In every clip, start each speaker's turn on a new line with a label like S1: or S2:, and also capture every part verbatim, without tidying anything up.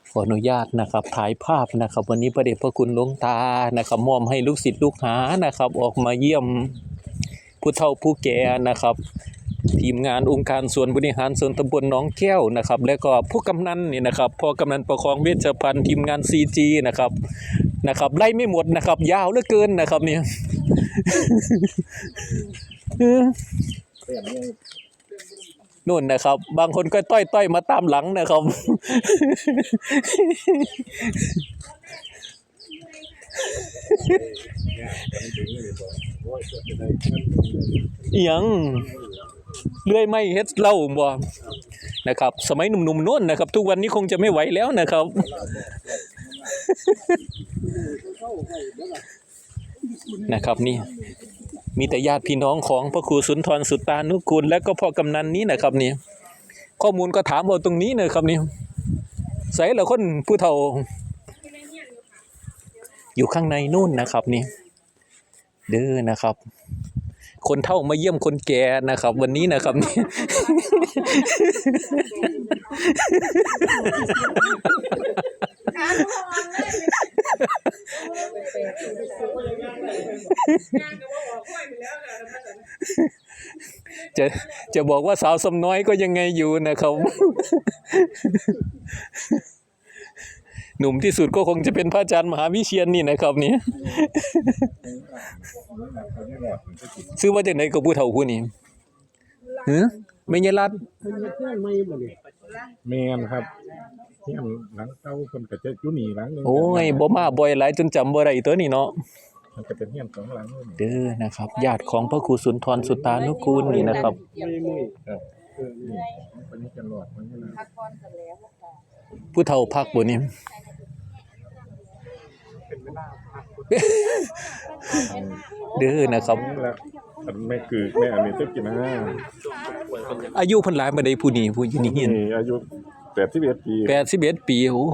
S1: ขออนุญาตนะครับถ่ายภาพนะครับวันนี้พระเดชพระคุณหลวงตานะครับมอบให้ลูกศิษย์ลูกหานะครับออกมาเยี่ยมผู้เฒ่าผู้แก่นะครับทีมงานองค์การส่วนบริหารส่วนตำบลหนองแก้วนะครับและก็ผู้กำนันนี่นะครับพ่อกำนันประคองเวชภัณฑ์ทีมงาน ซี จี นะครับนะครับไล่ไม่หมดนะครับยาวเหลือเกินนะครับเนี่ยนู่นนะครับบางคนก็ต้อยๆมาตามหลังนะครับยังเลื่อยไม่เฮ็ดเล่าบ่นะครับสมัยหนุ่มๆโน่นนะครับทุกวันนี้คงจะไม่ไหวแล้วนะครับนะครับนี่มีแต่ญาติพี่น้องของพระครูสุนทรสุตตานุกูลและก็พ่อกำนันนี้นะครับนี่ข้อมูลก็ถามเอาตรงนี้นะครับนี่ใส่ละคนผู้เฒ่าอยู่ข้างในนู่นนะครับนี่เด้อนะครับคนเฒ่ามาเยี่ยมคนแก่นะครับวันนี้นะครับนี่จะจะบอกว่าสาวสมน้อยก็ยังไงอยู่นะครับหนุ่มที่สุดก็คงจะเป็นพระอาจารย์มหาวิเชียรนี่นะครับนี่ซื้อมาจากไหนกับผู้เฒ่าผู้นี้หือไม่ใช่รัด
S2: แม่นครับเฮียนหลังเก่าเพิ่นก็จะอยู่นี่หลังนึง
S1: โอ้ยบ่มาบ่อยหลายจนจำบ่ได้ตัวนี้เนาะ
S2: มันก็เป็นเฮียนสองหลังเลย
S1: เด้อนะครับญาติของพระครูสุนทรสุตตานุกูลนี่นะครับ
S2: ครับเออนี่วันนี้จะรอดมันนี่นะ
S1: ผู้เฒ่าพักบ่นี่เด้อนะครับ
S2: อันแม่คือแม่อันนี้ตึกกินนะ
S1: อายุเพิ่นหลายบ่ได้ผู้นี้ผู้อยู่นี่
S2: อายุแปดสิบเอ็ดปี
S1: แปดสิบเอ็ดปีโอ้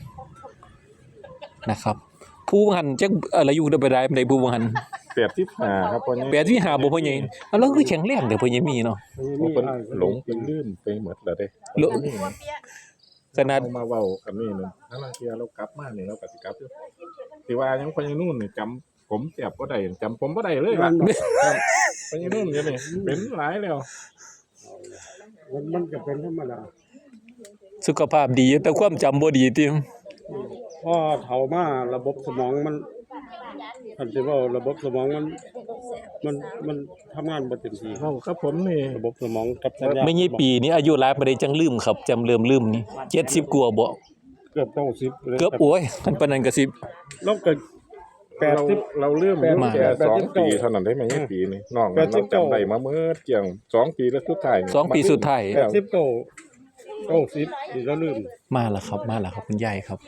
S1: นะครับผู้หันจักอะไรอยู่ได้บ่ได้บ่ได้ผู้หัน
S2: แปดสิบห้าครับพ่อใหญ่
S1: แปดสิบห้าบ่พ่อใหญ่แล้วคือแข็งแรงเด้อพ่อใหญ่มีเนาะ
S2: เพิ่นหลงเป็นลืมไปหมดแล้วเด้
S1: ขนาด
S2: มาเว้ากันนี่นึงถ้าลางเที่ยเรากลับมานี่เราก็สิกลับอยู่สิว่ายังพ่อใหญ่นู่นนี่จำผมแซ่บบ่ได้จำผมบ่ได้เลยล่ะพ่อใหญ่นู่นอยู่นี่เป็นหลายแล้ว
S3: มันก็เป็นธรรมดา
S1: สุขภาพดีแต่ความจำบ่ดีติ
S3: พอเฒ่ามาระบบสมองมันคันสิว่าระบบสมองมันมันมันทำงานบ่เต็มที่
S2: เฮาครับผมนี่
S3: ระบบสมองกับสัญญา
S1: ไม่ใช่ปีนี้อายุหลายบ่ได้จังลืมครับจำเริ่มลืมนี่เจ็ดสิบกว่าบ่
S3: เกือบเก้าสิบ
S1: เกือบโอ้ยคันปานนั้นก็สิ
S3: เราเกิด
S2: แปดสิบเราเริ่มมาแค่สองปีเท่านั้นได้มั้ยปีนี้น้องเราจำได้มาเมื่อเกี่ยงสองปีแล้วสุดท้าย
S1: สองปีสุดท้าย
S3: แปดสิบเก้า เก้าสิบนี่เราลืม
S1: มาแล้วครับมาแล้วครับคุณยายครับ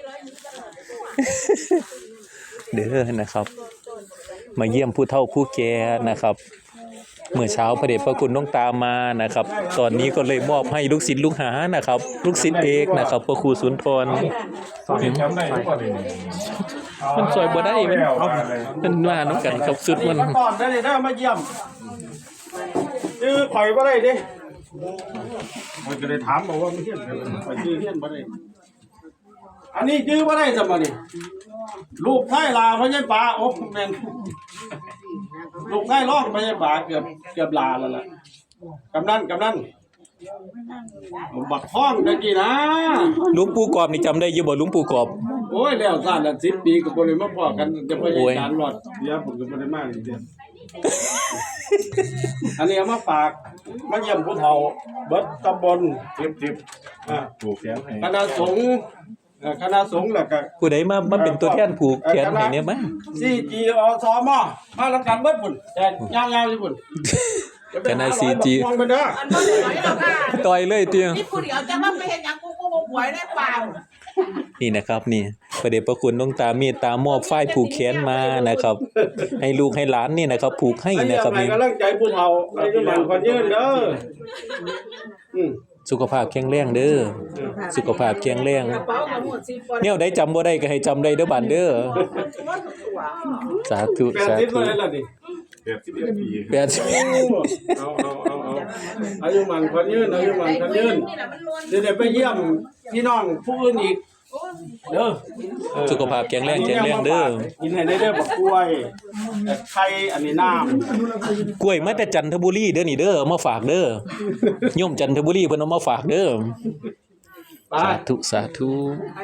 S1: เด้อนะครับมาเยี่ยมผู้เฒ่าผู้แก่นะครับเมื่อเช้าพระเดชพระคุณน้องตามมานะครับตอนนี้ก็เลยมอบให้ลูกศิษย์ลูกหานะครับลูกศิษย์เอกนะครับพระครูสุนทรมันซอยบ่ได้มันมันมาน้ำกันครับสุดมัน
S3: ก่อนได้เลยนะมาเยี่ยมชื่อข่อยบ่ได้ดิมันก็เลยถามบอกว่าไม่เฮี้ยนข่อยชื่อเฮี้ยนบ่ได้อันนี้ชื่อบ่ได้จังบ่นี่ลูกไส้ลาพญาปาโอ้แม่นลูกไส้ร้องพญาปาเกือบเกือบลาแล้วล่ะกำนันกำนันบักท้องตะกี้นะ
S1: หลวงปู่กอบนี่จำได้อยู่บ่หลวงปู่กอบ
S3: โอ้ยแล้วซ่านละสิบปีก็บ่ได้มาพ้อกันจะพยายามรอดเดี๋ยวผมก็บ่ได้มาอีกเด้ออันนี้เอามาฝากมาเยี่ยมผู้เฒ่าเบิดตำบลสิบๆอ่า
S2: ผูกแขนให้
S3: คณะสงฆ์คณะสงฆ์แล้วก็
S1: ผู้ใดมามาเป็นตัวแทนผูกแขนให้เนี่ยมั้ย
S3: ซี จี อ สม.มารับกันเบิดพุ่นแต่ยาวๆอยู่พุ่น
S1: คณะ ซี จี ต่อยเลยเตียง
S4: นี่ผู้เดียวจะมาไปเฮ็ดหยังกูกูบ่ป่วยได้เปล่า
S1: นี่นะครับนี่พระเดชพระคุณหลวงตาเมตตามอบฝ้ายผูกแขนมานะครับให้ลูกให้หลานนี่นะครับผูกให้นะครับ
S3: นี่กำลังใจผู้เฒ่าให้กำลังคนยืนเด้ออืม
S1: สุขภาพแข็งแรงเด้อสุขภาพแข็งแรงแนวใดจำบ่ได้ก็ให้จำได้เด้อบัดเด้อสาธุสาธุ
S2: แปดสิบเอ็ดปี
S1: แปดสิบ
S3: เอาเอาเอาเอาอายุมันคนยืนอายุมันคนยืนเดี๋ยวไปเยี่ยมพี่น้องผู้อื่นอีกเด้อเออ
S1: สุขภาพแข็งแรงแข็งแรงเด้อ
S3: กินให้ได้เด้อบักกล้วยไข่อันนี้น้ำ
S1: กล้วยมาแต่จันทบุรีเด้อนี่เด้อเอามาฝากเด้อโยมจันทบุรีเพิ่นเอามาฝากเด้อ
S3: ไป
S1: สาธุสาธุ